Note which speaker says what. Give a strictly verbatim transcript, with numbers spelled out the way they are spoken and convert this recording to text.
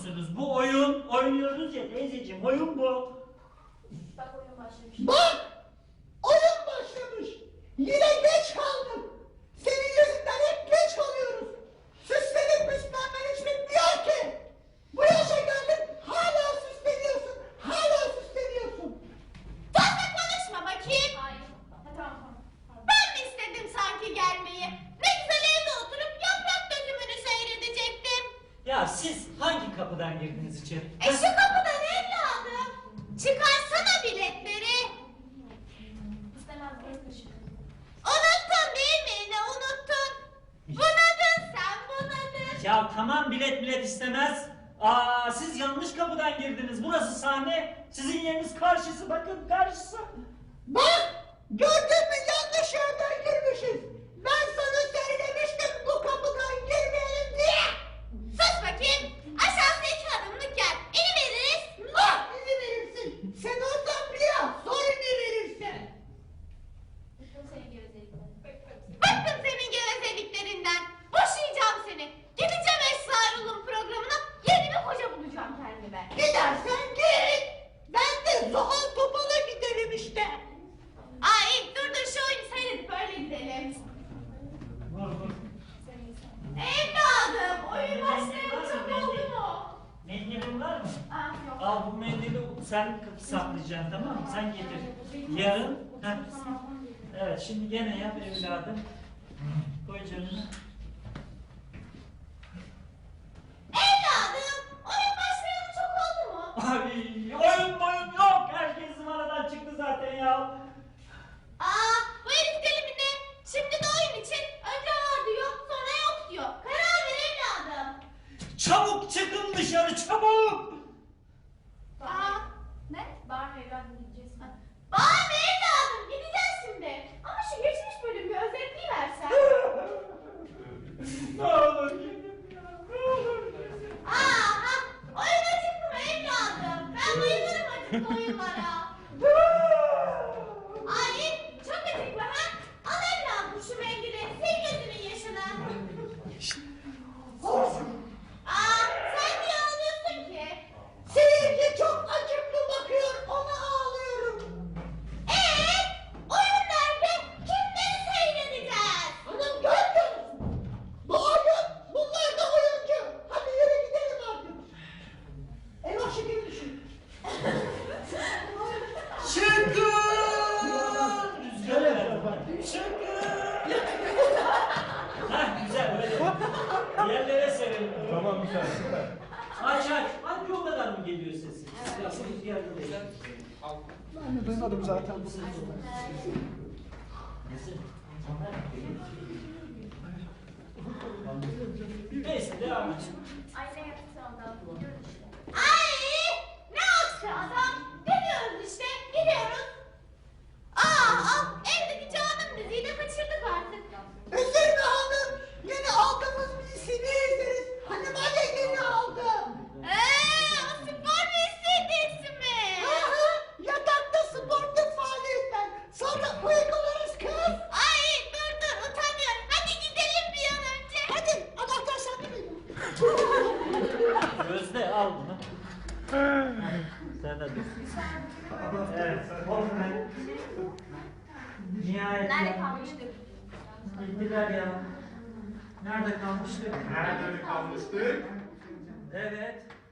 Speaker 1: musunuz? Bu oyun oynuyoruz ya teyzeciğim, oyun bu.
Speaker 2: Bak oyun başlamış.
Speaker 3: Bak! Oyun başlamış. Yine geç kaldım. Senin yüzünden hep geç kalıyoruz. Süslenip püslenmen hiç bitmiyor ki. Bu yaşa geldin hala süsleniyorsun. Hala süsleniyorsun.
Speaker 4: Fazla konuşma bakayım.
Speaker 2: Hayır. Ha, tamam tamam. Pardon.
Speaker 4: Ben mi istedim sanki gelmeyi? Ne güzel evde oturup yaprak dökümünü seyredecektim.
Speaker 1: Ya siz hangi kapıdan girdiniz içeri?
Speaker 4: E şu kapıdan evladım. Çıkarsana biletleri.
Speaker 2: İstemez burası ışık.
Speaker 4: Unuttun değil mi yine unuttun. Bunadın sen bunadın.
Speaker 1: Ya tamam, bilet bilet istemez. Aa, siz yanlış kapıdan girdiniz. Burası sahne. Sizin yeriniz karşısı, bakın karşısı.
Speaker 3: Bak! Gördün mü yanlış yerden girmişiz. Ben sana söylemiştim bu kapıdan girmeyelim diye.
Speaker 4: Sus bakayım. Aşağısı iki adımlık yer. İni veririz.
Speaker 3: Ah ini verirsin. Sen oradan biraz sonra ini verirsin.
Speaker 2: Bıktım senin gevezelikten.
Speaker 4: Bıktım senin gevezeliklerinden. Boşayacağım seni. Gideceğim Esrarul'un programına. Yeni bir koca bulacağım kendime.
Speaker 3: Gidersen git. Ben de Zuhal Topal'a giderim işte.
Speaker 4: Ay dur dur şu oyunu seyredip öyle gidelim.
Speaker 1: Vur vur.
Speaker 2: Senin sen.
Speaker 4: Evladım oyun başlayalı çok oldu mu?
Speaker 1: Mendilin var mı?
Speaker 4: Ah yok.
Speaker 1: Al bu mendili sen saklayacaksın, tamam mı? Sen getir. Yarın. Heh. Evet, şimdi gene yap evladım. Koy canını.
Speaker 4: Evladım oyun başlayalı çok oldu mu?
Speaker 1: Ay, oyun oyun yok. Herkes zıvanadan çıktı zaten ya.
Speaker 4: Aa bu herif deli mi ne? Şimdi de oyun için önce var diyor sonra yok diyor. Karar ver evladım.
Speaker 1: Çabuk çıkın dışarı, çabuk.
Speaker 4: Aa
Speaker 2: Ne? Bağırma evladım gideceğiz. Ha.
Speaker 4: bağırma evladım gideceğiz şimdi. Ama şu geçmiş bölümü bir özetleyiversen.
Speaker 1: Ne olur gidin ya, ne olur gidin.
Speaker 4: Aha oyun acıktı mı evladım? Ben bayılırım acıklı oyunlara. Ay çok acıklı ha? Al evladım şu mendili sil gözünün yaşına. Aa sen niye ağlıyorsun ki?
Speaker 3: Seyirci çok acıklı bakıyor ona ağlıyorum.
Speaker 4: Eee oyun nerede? Kimleri seyredeceğiz?
Speaker 3: Hanım görmüyor musun? Bu oyun bunlar da oyuncu. Hadi yürü gidelim artık. Eyvah şekerim düşüyor.
Speaker 1: Çıkın! Rüzgar ver. Çıkın! Hah güzel böyle. Yerlere serelim.
Speaker 5: Tamam güzel süper.
Speaker 1: Aç aç. Hangi o kadar mı geliyor sesi? Ya bu rüzgar değil.
Speaker 5: Ben de duymadım zaten.
Speaker 1: Neyse devam et.
Speaker 2: Ay ne yaptı adam? Gidiyoruz işte.
Speaker 4: Ay ne aksi adam? Gidiyoruz işte gidiyoruz. Aa ah, evdeki canım diziyi de kaçırdık artık.
Speaker 3: Üzülme hanım. Yine aldığımız bir seni izleriz. Hani ben yeni aldım.
Speaker 4: Eee o spor dizisi mi?
Speaker 3: Aha, yatakta sportif faaliyetler. Sonra uygularız kız.
Speaker 4: Ay dur dur utanıyorum. Hadi gidelim bir an önce.
Speaker 3: Hadi anahtar sende mi?
Speaker 1: Gözde al bunu. Sen de dur. Evet. Oldu ben. Nihayet.
Speaker 2: Nerede kalmıştık?
Speaker 1: Gittiler ya. Nerede kalmıştık?
Speaker 5: Nerede kalmıştık?
Speaker 1: Evet.